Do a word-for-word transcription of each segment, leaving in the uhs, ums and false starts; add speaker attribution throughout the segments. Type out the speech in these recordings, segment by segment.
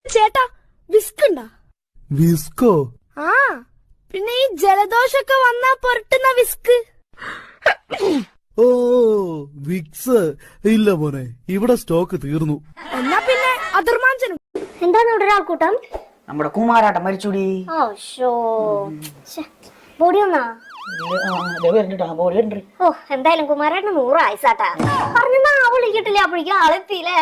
Speaker 1: ചേട്ടാ വിസ്ക് ഉണ്ടാ?
Speaker 2: വിസ്കോ?
Speaker 1: ആ പിന്നെ ഈ ജലദോഷൊക്കെ വന്നാ പുരട്ടുന്ന വിസ്ക്.
Speaker 2: ഓ വിക്സ് ഇല്ല മോനെ, ഇവിടെ സ്റ്റോക്ക് തീർന്നു.
Speaker 1: എന്നാ പിന്നെ അതിർമാഞ്ചനും.
Speaker 3: എന്താണ് ഇവിടെ ഒരാൾക്കൂട്ടം?
Speaker 4: നമ്മുടെ കുമാരാട്ടം മരിച്ചൂടി.
Speaker 3: ബോഡി ഒന്നാ
Speaker 4: ബോഡി.
Speaker 3: ഓ എന്തായാലും കുമാരേട്ടന് നൂറ് ആയിസാട്ടാ. പറഞ്ഞാ വിളിക്കട്ടില്ല, അപ്പോഴേക്കും ആളെത്തിയില്ലേ.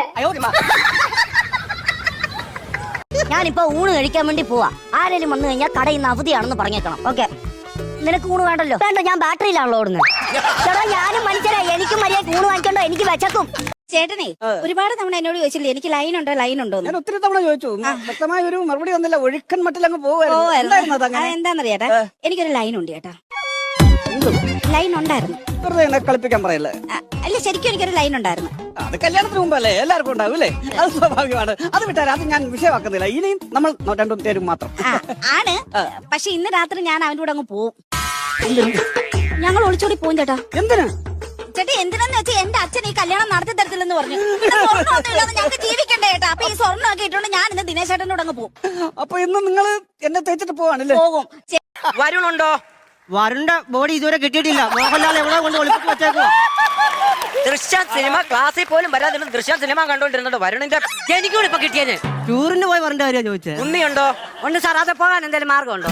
Speaker 5: ഞാനിപ്പോ ഊണ് കഴിക്കാൻ വേണ്ടി പോവാ. ആരെങ്കിലും വന്നു കഴിഞ്ഞാൽ കടയിൽ നിന്ന് അവധിയാണെന്ന് പറഞ്ഞേക്കണം. ഓക്കെ, നിനക്ക് ഊണ് വേണ്ടല്ലോ? വേണ്ട, ഞാൻ ബാറ്ററിയിലാണല്ലോ ഓടുന്നത്. ചേട്ടാ ഞാനും മനുഷ്യരാ, എനിക്കും മര്യാദ ഊണ് വാങ്ങിക്കണ്ടോ? എനിക്ക് വെച്ചക്കും.
Speaker 6: ചേട്ടനെ ഒരുപാട് തവണ എന്നോട് ചോദിച്ചില്ലേ എനിക്ക് ലൈൻ ഉണ്ടോ ലൈൻ ഉണ്ടോ?
Speaker 4: ഞാൻ ഒത്തിരി തവണ ചോദിച്ചു, വ്യക്തമായ ഒരു മറുപടി വന്നില്ല. ഒഴുക്കൻ മട്ടിലങ്ങ് പോകുമായിരുന്നു.
Speaker 6: എന്താന്നറിയാട്ടാ, എനിക്കൊരു ലൈൻ ഉണ്ട് ചേട്ടാ. ലൈൻ ഉണ്ടായിരുന്നു.
Speaker 4: വെറുതെ എന്നെ കളിപ്പിക്കാൻ പറയല്ലേ.
Speaker 6: അല്ല, ശരിക്കും എനിക്കൊരു ലൈൻ ഉണ്ടായിരുന്നു.
Speaker 4: അത് കല്യാണത്തിന് മുമ്പല്ലേ, എല്ലാവർക്കും ഉണ്ടാവും അല്ലേ? അത് സ്വാഭാവികമാണ്. അത് വിട്ടാൽ അത് ഞാൻ വിഷയമാക്കുന്നില്ല. ഇനിയും നമ്മൾ രണ്ടും പേരും മാത്രം
Speaker 6: ആണ്. പക്ഷെ ഇന്ന് രാത്രി ഞാൻ അവന്റെ കൂടെ അങ്ങ് പോവും. ഞങ്ങൾ ഒളിച്ചോടി പോവും ചേട്ടാ.
Speaker 4: എന്തിനാ
Speaker 6: ചേട്ടാ? എന്തിനാന്ന് വെച്ചാൽ എന്റെ അച്ഛൻ ഈ കല്യാണം നടത്തി തരത്തില്ലെന്ന് പറഞ്ഞു. ഞങ്ങൾക്ക് ജീവിക്കണ്ടേ ചേട്ടാ. അപ്പൊ ഈ സ്വർണ്ണം ഒക്കെ ഇട്ടുകൊണ്ട് ഞാൻ ഇന്ന് ദിനേശ് ചേട്ടനോട് അങ്ങ് പോകും.
Speaker 4: അപ്പൊ ഇന്ന് നിങ്ങൾ എന്നെ തേച്ചിട്ട് പോവാണല്ലേ?
Speaker 6: പോകും.
Speaker 7: വരുണുണ്ടോ? വരുണിന്റെ ബോഡി ഇതുവരെ കിട്ടിയിട്ടില്ല. മോഹൻലാൽ എവിടെ കൊണ്ട് ഒളിപ്പിച്ച് വെച്ചേക്കോ? ദൃശ്യ സിനിമ ക്ലാസ്സിൽ പോലും വരാതിരുന്ന ദൃശ്യ സിനിമ കണ്ടോണ്ടിരുന്നുണ്ട്. വരുണിന്റെ എനിക്കൂടെ ഇപ്പൊ കിട്ടിയത്. ടൂറിന് പോയി വരേണ്ട കാര്യം ചോദിച്ചത്. ഉണ്ണിയുണ്ടോ? ഉണ്ട് സാർ. അത് പോകാൻ എന്തെങ്കിലും മാർഗമുണ്ടോ?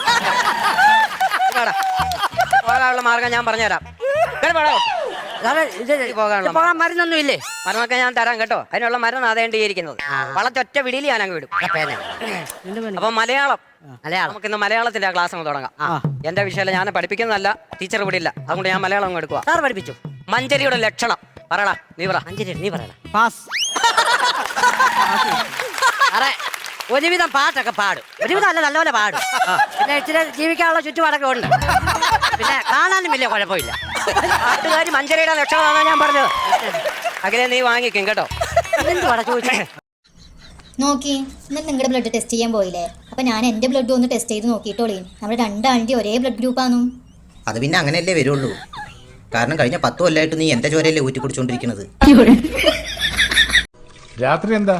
Speaker 7: പോകാനുള്ള മാർഗം ഞാൻ പറഞ്ഞുതരാം. പോകാൻ മരുന്നൊന്നും ഇല്ലേ? മരുന്നൊക്കെ ഞാൻ തരാം കേട്ടോ. അതിനുള്ള മരുന്ന് അതേണ്ടിയിരിക്കുന്നത്. വളച്ചൊറ്റ വിടിയിൽ ഞാൻ അങ്ങ് വിടും. അപ്പൊ മലയാളം നമുക്ക് ഇന്ന് മലയാളത്തിന്റെ ക്ലാസ് അങ്ങ് തുടങ്ങാം. എന്റെ വിഷയം ഞാൻ പഠിപ്പിക്കുന്നതല്ല, ടീച്ചർ വിടില്ല. അതുകൊണ്ട് ഞാൻ മലയാളം അങ്ങ് എടുക്കുക. സാർ പഠിപ്പിച്ചു. മഞ്ചരിയുടെ ലക്ഷണം പറയടാ. നീ പറ. മഞ്ചരി നീ പറയടാ. പാസ്. അറേ ഒരുവിധം പാട്ടൊക്കെ പാടും. ഒരുവിധം അല്ല, നല്ലപോലെ പാടും. പിന്നെ ഇച്ചിരി ജീവിക്കാനുള്ള ചുറ്റുപാടൊക്കെ ഉണ്ട്. പിന്നെ കാണാനും വലിയ കുഴപ്പമില്ല. പാട്ടുകാരി മഞ്ചരിയുടെ ലക്ഷണമാണെന്ന് ഞാൻ പറഞ്ഞത്. അഖിലേ നീ വാങ്ങിക്കും കേട്ടോ. എന്തുവാടാ ചോദിച്ചേ?
Speaker 8: നോക്കി, ഇന്നലെ നിങ്ങളുടെ ബ്ലഡ് ടെസ്റ്റ് ചെയ്യാൻ പോയില്ലേ? അപ്പൊ ഞാൻ എന്റെ ബ്ലഡ് ഒന്ന് ടെസ്റ്റ് ചെയ്ത് നോക്കിയിട്ടോളേ. നമ്മുടെ രണ്ടാളിന്റെ ഒരേ ബ്ലഡ് ഗ്രൂപ്പാണു.
Speaker 9: അത് പിന്നെ അങ്ങനെയല്ലേ വരുള്ളൂ. കാരണം കഴിഞ്ഞ പത്ത് കൊല്ലമായിട്ട് നീ എന്റെ ചോരയല്ലേ ഊറ്റി കുടിച്ചോണ്ടിരിക്കുന്നത്.
Speaker 10: രാത്രി എന്താ?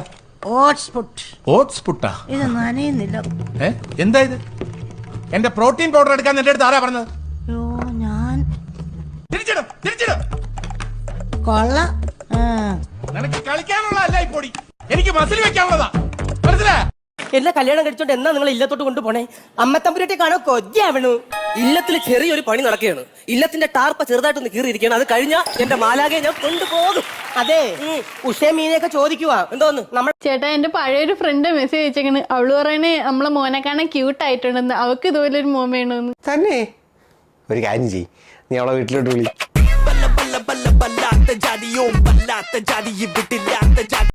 Speaker 7: ഇത് നനയുന്നില്ല.
Speaker 10: എന്താ ഇത്? എന്റെ പ്രോട്ടീൻ പൗഡർ എടുക്കാൻ എന്റെ അടുത്ത് ആരാ പറഞ്ഞത്?
Speaker 7: ഞാൻ
Speaker 10: തിരിച്ചിടും തിരിച്ചിടും.
Speaker 7: കൊള്ള
Speaker 10: നിനക്ക് കളിക്കാനുള്ള അല്ല ഈ പൊടി, എനിക്ക് മസിൽ വെക്കാനുള്ളതാ. മനസ്സിലാ?
Speaker 7: എന്നെ കല്യാണം കഴിച്ചോണ്ട് എന്നാ നിങ്ങൾ ഇല്ലത്തോട്ട് കൊണ്ടുപോണേ? അമ്മത്തമ്പുരട്ടെ കാണോ കൊതിയാവണു. ഇല്ലത്തിൽ ചെറിയൊരു പണി നടക്കുകയാണ്. ഇല്ലത്തിന്റെ ടാർപ്പ ചെറുതായിട്ടൊന്ന് കീറിയിരിക്കുകയാണ്. അത് കഴിഞ്ഞാ എന്റെ മാലാകെ ഞാൻ കൊണ്ടുപോകും. അതെ, ഉഷേ മീനെയൊക്കെ ചോദിക്കുവാ എന്തോന്ന് നമ്മുടെ
Speaker 11: ചേട്ടാ. എന്റെ പഴയൊരു ഫ്രണ്ട് മെസ്സേജ് അയച്ചേക്കണ്. അവള് പറയണേ നമ്മളെ മോനെ കാണാൻ ക്യൂട്ട് ആയിട്ടുണ്ടെന്ന്. അവക്ക് ഇതുപോലെ ഒരു മോൻ വേണമെന്ന്.
Speaker 12: തന്നെ ഒരു കാര്യം ചെയ്യ്, നീ അവളെ വീട്ടിലോട്ട് വിളി.